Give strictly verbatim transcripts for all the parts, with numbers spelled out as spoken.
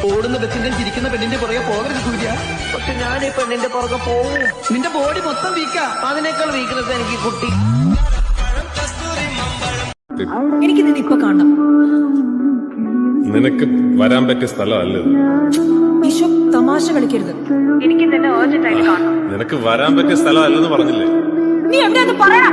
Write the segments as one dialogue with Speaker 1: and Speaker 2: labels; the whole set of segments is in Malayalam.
Speaker 1: ഓടുന്ന ബസ്സിന്റെ ചിരിക്കുന്ന പെണ്ണിന്റെ പുറകെ പോകരുത് സൂര്യ.
Speaker 2: പക്ഷെ ഞാൻ ഈ പെണ്ണിന്റെ പുറകെ പോവും.
Speaker 1: നിന്റെ ബോഡി മൊത്തം വീക്കാ.
Speaker 2: അതിനേക്കാൾ വീക്ക്നെസ് എനിക്ക് കുട്ടി.
Speaker 3: എനിക്ക് നിന്നെ ഇപ്പൊ കാണണം.
Speaker 4: നിനക്ക് വരാൻ പറ്റിയ സ്ഥലമല്ല ഇത്.
Speaker 3: വിശ്വ തമാശ കളിക്കരുത്. എനിക്ക് നിന്നെ urgent ആയിട്ട് കാണണം.
Speaker 4: നിനക്ക് വരാൻ പറ്റിയ സ്ഥലമല്ലെന്ന് പറഞ്ഞില്ലേ?
Speaker 3: നീ എവിടെയാന്ന് പറയണ.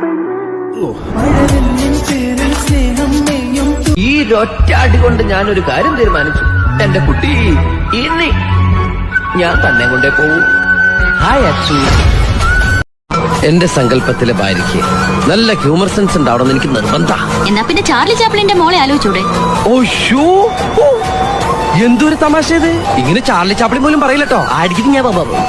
Speaker 2: ഈ ഒറ്റയാടി കൊണ്ട് ഞാനൊരു കാര്യം തീരുമാനിച്ചു. എന്റെ കുട്ടി ഇനി ഞാൻ തന്നെ കൊണ്ടേ പോവും. ഹായ് അച്ചു. എന്റെ സങ്കല്പത്തിലെ ഭാര്യയ്ക്ക് നല്ല ഹ്യൂമർ സെൻസ് ഉണ്ടാവണമെന്ന് എനിക്ക് നിർബന്ധം.
Speaker 5: എന്നാ പിന്നെ ചാർലി ചാപ്ലിന്റെ മോളെ ആലോചിച്ചൂടെ?
Speaker 2: ഓഷോ, എന്തൊരു തമാശ ഇത്. ഇങ്ങനെ ചാർലി ചാപ്ലിൻ പോലും പറയില്ലട്ടോ. ആയിരിക്കും ഞാൻ.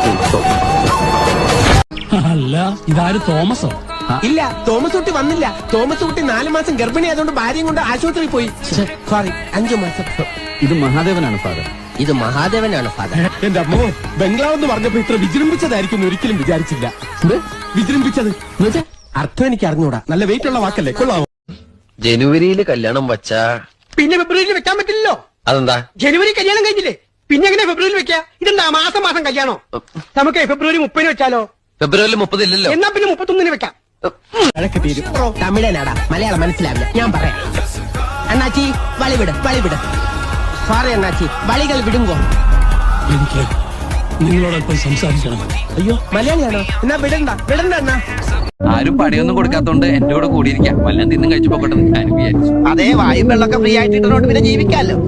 Speaker 6: അല്ല, ഇതാര് തോമസോ?
Speaker 7: ഇല്ല, തോമസ് കുട്ടി വന്നില്ല. തോമസ് കുട്ടി നാലു മാസം ഗർഭിണി ആയതുകൊണ്ട് ഭാര്യയും കൊണ്ട് ആശുപത്രിയിൽ പോയി. സോറി, അഞ്ചു മാസം.
Speaker 6: ഇത് മഹാദേവനാണ് ഫാദർ.
Speaker 2: ഇത് മഹാദേവനാണ് ഫാദർ.
Speaker 7: എന്റെ അമ്മോ, ബംഗ്ലാവ് എന്ന് പറഞ്ഞപ്പോ ഇത്ര വിജൃംഭിച്ചതായിരിക്കും ഒരിക്കലും വിചാരിച്ചില്ല. വിജൃംഭിച്ചത് അർത്ഥം എനിക്ക് അറിഞ്ഞൂടാ. നല്ല വെയിറ്റ് ഉള്ള വാക്കല്ലേ, കൊള്ളാമോ?
Speaker 2: ജനുവരിയിൽ കല്യാണം വച്ചാ
Speaker 7: പിന്നെ ഫെബ്രുവരിയിൽ വെക്കാൻ പറ്റില്ലല്ലോ.
Speaker 2: അതെന്താ?
Speaker 7: ജനുവരി കല്യാണം കഴിഞ്ഞില്ലേ, പിന്നെ എങ്ങനെ ഫെബ്രുവരിയിൽ വെക്കാ? ഇതെന്താ മാസം മാസം കല്യാണോ? നമുക്ക് ഫെബ്രുവരി മുപ്പതിന് വെച്ചാലോ?
Speaker 2: ഫെബ്രുവരി മുപ്പതില്ലല്ലോ.
Speaker 7: എന്നാ പിന്നെ മുപ്പത്തൊന്നിന് വെക്കാം. തമിഴനാടാ, മലയാളം മനസ്സിലാവില്ല. ഞാൻ പറയാം. അണ്ണാച്ചി വളിവിട്, വളിവിട്. സോറി അണ്ണാച്ചി, വളികൾ വിടുങ്കോ.
Speaker 6: എനിക്ക് നിങ്ങളോടൊപ്പം സംസാരിക്കണം.
Speaker 7: അയ്യോ, മലയാളിയാണോ? എന്നാ വിടണ്ട, വിടണ്ട അണ്ണാ.
Speaker 8: ആരും പണിയൊന്നും കൊടുക്കാത്തോണ്ട് എന്റെ കൂടെ കൂടിയിരിക്കാം. വല്ലതും തിന്നും കഴിച്ചു പോകട്ടെ ഞാൻ വിചാരിച്ചു.
Speaker 2: അതേ, വായും വെള്ളമൊക്കെ ഫ്രീ ആയിട്ട് ഇട്ടോണ്ട് പിന്നെ ജീവിക്കാലോ.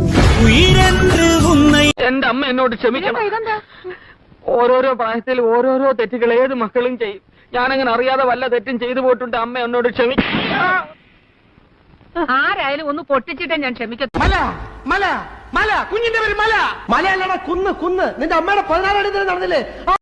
Speaker 9: എന്റെ അമ്മ എന്നോട് ക്ഷമിക്കണം. ഓരോരോ പ്രായത്തിൽ ഓരോരോ തെറ്റുകൾ ഏത് മക്കളും ചെയ്യും. ഞാനങ്ങനെ അറിയാതെ വല്ല തെറ്റും ചെയ്തു പോയിട്ടുണ്ട്. അമ്മ എന്നോട് ക്ഷമിക്കണം.
Speaker 3: ആരായാലും ഒന്ന് പൊട്ടിച്ചിട്ടേ ഞാൻ ക്ഷമിക്കത്തു.
Speaker 7: മല മല മല കുഞ്ഞിന്റെ പേര് മല. മലയല്ലടാ, കുന്ന് കുന്ന്. നിന്റെ അമ്മയുടെ പതിനാലാം തീയതി നടന്നില്ലേ?